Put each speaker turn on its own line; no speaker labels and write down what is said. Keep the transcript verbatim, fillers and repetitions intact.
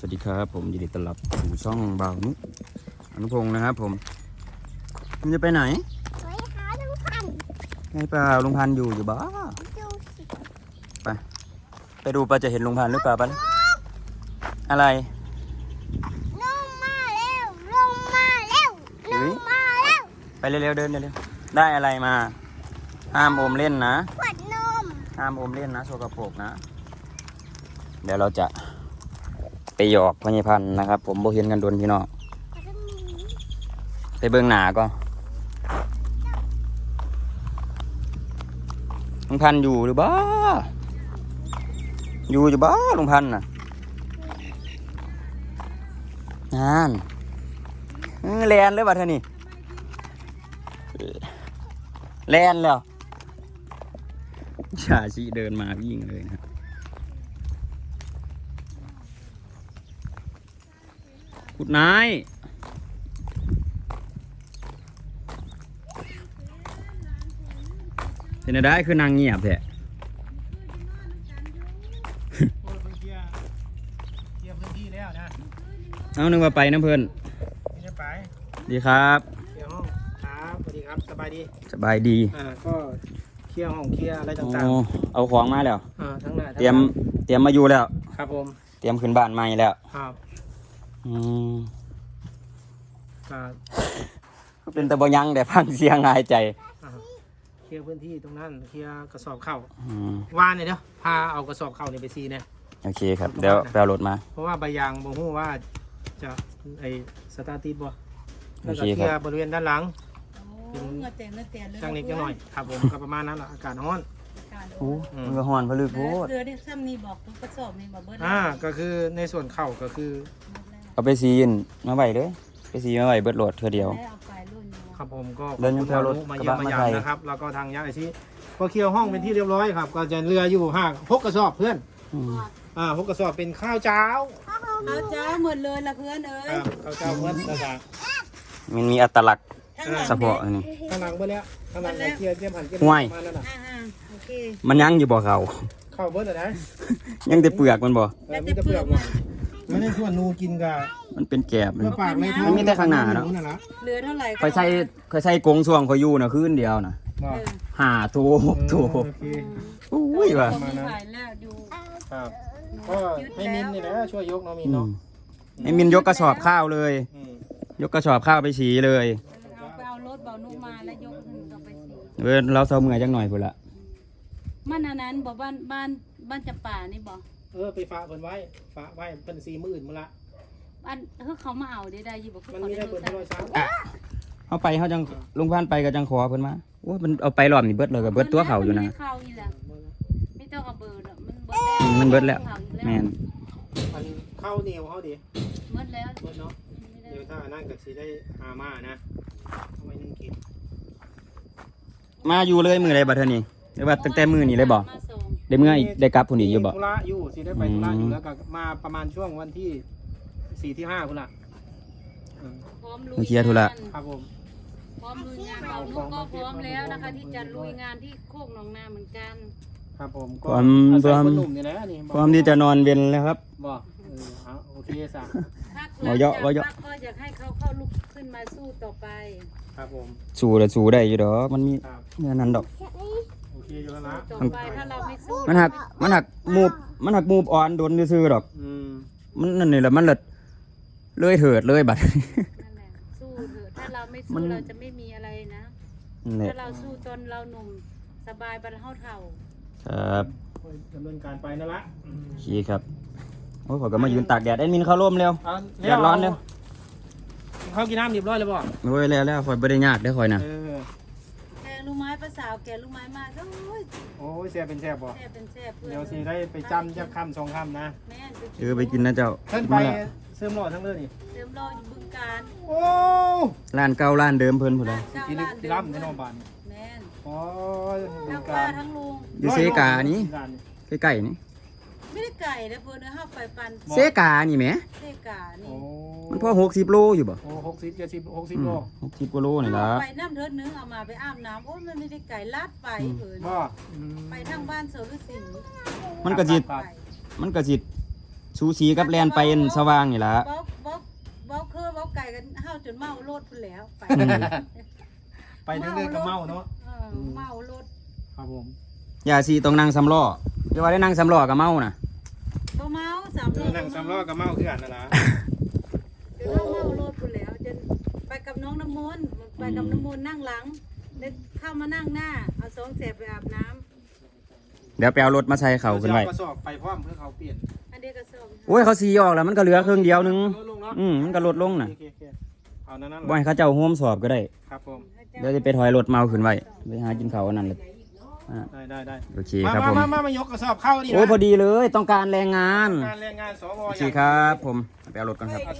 สวัสดีครับผมยินดีต้อนรับสู่ช่องบ่าวนุอนุพงศ์นะครับผมมันจะไปไหน
ไปหาลุงพันธุ์
ไงเปล่าลุงพันธุ์อยู่อยู่บ้า
ดูสิ
ไปไปดูปลาจะเห็นลุงพันธุ์หรือเปล่าปะอะไร
ลงมาแล้วลงมาแล้วลงมาแล้ว
ไปเร็วๆเดินเร็วๆได้อะไรมาห้ามอมเล่นนะ
ขวดนม
ห้ามอมเล่นนะโสกปรกนะเดี๋ยวเราจะไปหยอกพญพันธุ์นะครับผมโบเห็นกันโดนพี่น้องไปเบื้องหนาก็ลุงพันธุ์อยู่หรือบ้าอยู่อยู่บ้าลุงพันธุ์น่ะงานแลนเลยว่ะเธอนี่แลนแล้วชาชีเดินมาวิ่งเลยนะกุดนายเห็นได้คือนางเงียบแท้เอานึกว่าไปน้ำเพลิน
ไม่ไป
ดีครับ
เคลียร์ห้องครับสวัสดีครับสบายดี
สบายดี
อ่าก็เคลียร์ห้องเคลียร์อะไรต่าง
ๆเอาของมาแล้ว
อ่าทั้งหน้า
เตรียมเตรียมมาอยู่แล้ว
ครับผม
เตรียมขึ้นบ้านใหม่แล้ว
ครับ
อืม
ก็
เป็นตะบยังแต่ฟังเสียงหายใจ
เคลียร์พื้นที่ตรงนั้นเคลียร์กระสอบเข้าวานเนี่ยเนาะพาเอากระสอบเข้าเนี่ยไปซีเนี่ย
โอเคครับเดี๋ยวไปเอารถมา
เพราะว่าใบยางบ่ฮู้ว่าจะไอสตาร์ทติดบ่แล้วก็เคลียร์บริเวณด้านหลังจังนิดจังหน่อยครับผมก็ประมาณนั้นแหละอากาศร้อน
โอ้มันก็ฮ้อนพลึกโพด
เรือได้ซ้ำนี่บอกกระสอบนี่บอกเบิด
อ่าก็คือในส่วนเข่าก็คือ
เอาไปซีนมาไว้เลยไปซีมาไว้เบิดโหลดเท่าเดียว
ครับผมก็
เดินยังแถวรถ
มาเยี่ยมมาหยามนะครับแล้วก็ทางยาไอซีก็เคลียร์ห้องเป็นที่เรียบร้อยครับก็จะเรืออยู่ห่างพกกระสอบเพื่อนอ่าพกกระสอบเป็นข้าวเจ้า
ข้าวเจ้าหมดเลยละเพื่อนเอ้ย
ข้าวเจ้าเพื่อนนะจ๊ะ
มันมีอัตลักษณ์เฉพาะนี่
ข้างหลังเมื่อนี้ข้างหลังเคลียร์เตรียมหันเตรียม
มา
นั่นน่ะ
มันยังอยู่บ่เขา
ข้าวเบิร์ดอะไร
ยังแต่เปลือกมันบ่
มีแต่เปลือกมันในส่วนนูกินกะ
มันเป็นแกบเลย
ปากเลย
มันมีแต่ข้างหน้าเนาะ
เหลือเท่าไหร่
คอยใส่คอยใส่กงช่วงคอยอยู่นะคืนเดียวนะห้าตัวหกตัวอุ้ยว่ะ
ครับก็ให้มินนี่นะช่วยยกน้องมินเนาะ
ให้มินยกกระสอบข้าวเลยยกกระสอบข้าวไปฉีเลย
เอารถเบานุ่มมาแล้วยกต่อไปฉี
เออเราเศร้าเมื่อยจังหน่อยพุ่นละ
มันอันนั้นบอกบ้านบ้านบ้านจำป่านี่บอก
เออไปฝากเพิ่นไว้ฝากไว้เป็นสี่หมื่นมื้อละ
อันคือเขามาเอาได้ได้ยี่บอก
มันมีได้เปิดร้อยสาม
เขาไปเขาจังลุงพันไปกับจังขอเพิ่นมาโอ้มันเอาไปรอบนี่เบิดเลยกับเบิดตัวเขาอยู่นะ
ไม่ต้องเอาเบอร์
มันมันเบิดแล้วแม่น
มันเข้าเหนียวเขาดิ
เบิดแล้ว
เบิดเนาะเดี๋ยวถ้านั่งกับสีได้หามานะทำไมนึ่งกิน
มาอยู่เลยมืออะไรบัดเทอนี่หรือว่าตั้งแต่มือนี่เลยบอกได้เมื่อได้กลับพุ่นอีกอยู่บ่
ธุระอยู่สิได้ไปธุระอยู่แล้วก็มาประมาณช่วงวันที่สี่ที่ห้าพุ่นละ
พร้อมลุยงาน
ครับผม
พร้อมลุยงานเราลูกก็พร้อมแล้วนะคะที่จะลุยงานที่โคกหนองนาเหมือนกัน
ครับผมก็
ความความความที่จะนอนเย็นแล้วครับ
บอกเออโอเคสะ
เราเยอะเราเยอะ
ก็อยากให้เขาเข้าลุกขึ้นมาสู้ต่อไป
ครับผม
สู้แต่สู้ได้อยู่ดอกมันมีเงินนั้นดอก
โอเคอยู่แล้วนะ
ต่อไปถ้าเราไม่สู้
มันหักมันหักมูบมันหักมูบอ่อนโดนซื่อดอกมันนั่นนี่แหละมันเลยเลยเถิดเลยบัด
สู้เถอะถ้าเราไม่สู้เราจะไม่มีอะไรนะถ้าเราสู้จนเราหนุ่มสบายบรรเทาเท่า
ครับ
ดำเนินการไปนั่นละ
ขี้ครับโอ้ยขอก็มายืนตากแดดแอดมินเข้าร่มเร็วแดดร้อนเร็ว
เขากินน้ำเรียบร้อยแล้วบ่
โอ้ยแล้วแล้วคอยบริญาตได้คอยนะ
แกลูกไม้ภาษาแกลูกไม้มากโอ้ย
โอ้ยแซ่บเป็นแซ่บบ่
แซ่บเป็นแซ่บ
เดี๋ยวสิได้ไปจำจะคำสองคำนะ
เออไปกินนะเจ้า
เพิ่นไปเสริมหล่อทั้งเรื่องนี่
เสริมหล่ออยู่บึงการ
โอ้
ร้านเก่าร้านเดิมเพิ่นพุ่นเลย
ที่ที่รับในนองบ้าน
แม่น
อ๋อ
ทั้งป้าทั้งลุง
อยู่เซกานี้ใกล้ๆนี่
ไม่ได้ไก่นะเพิ่นเฮาไปปัน
เซกานี่แหม
เซกานี่
มันพอหกสิบโลอยู่บ่
โอ้หกสิบเจ็ดสิบหกสิบโล
หกสิบกว่าโลนี่ล่ะ
ไปน้ำเถิดนึงเอามาไปอาบน้ำโอ้มันไม่ได้ไก่ลาดไปเพิ่น
บ่
ไปทางบ้านเสาฤาษี
มันก็สิมันก็สิสูสีกับแลนไปสว่างนี่ล่ะ
เว้าเว้าเว้าคือเว้าไก่กันเฮาจนเมารถพุ่นแล้วไป
ไปเรื่อยๆก็เมาเนาะ
เออเมารถ
ครับผม
อย่าสิต้องนั่งสำล้อจะว่าได้นั่งสำล้อก็เมาน่ะ
บ่เมาสาม
เอ
ล้
อ
อ
นั่งสามล้อก็เมาคือกันนั่นล่ะ
จนเฮาเมารถพุ่นแล้วจนไปกับน้องน้ำมนต์ไปกับน้ำมนต์นั่งหลังได้เข้ามานั่งหน้าเอาสองแสบไปอาบน้ำ
เดี๋ยวไปเอารถมาใส่เขาขึ้นไว้
กระสอบไปพร้อมเพื่อเขาเปลี่ยน
อันเดียวก็ส่ง
โอ้ยเขาสีออกแล้วมันก็เหลือครึ่งเดียวนึง
ลดลงเนาะ
อืมมันก็ลดลงน่ะ
โอเคโอเคเอานั่นนั่น
บ่ให้เขาเจ้าโฮมสอบก็ได้
ครับผม
เดี๋ยวจะไปถอยรถเมาขึ้นไว้ไปหากินข้าวอันนั้นเลยอ่ะ
ได้ได้ได้
โอเค
มา
ครับผม
มามามายกกระสอบเข้าดินะ
โอ้ยพอดีเลยต้องการแรงงาน
การแรงงานสว
โอ
อ
เค
ย่าง
ครับผมไปเอารถก่อนครับ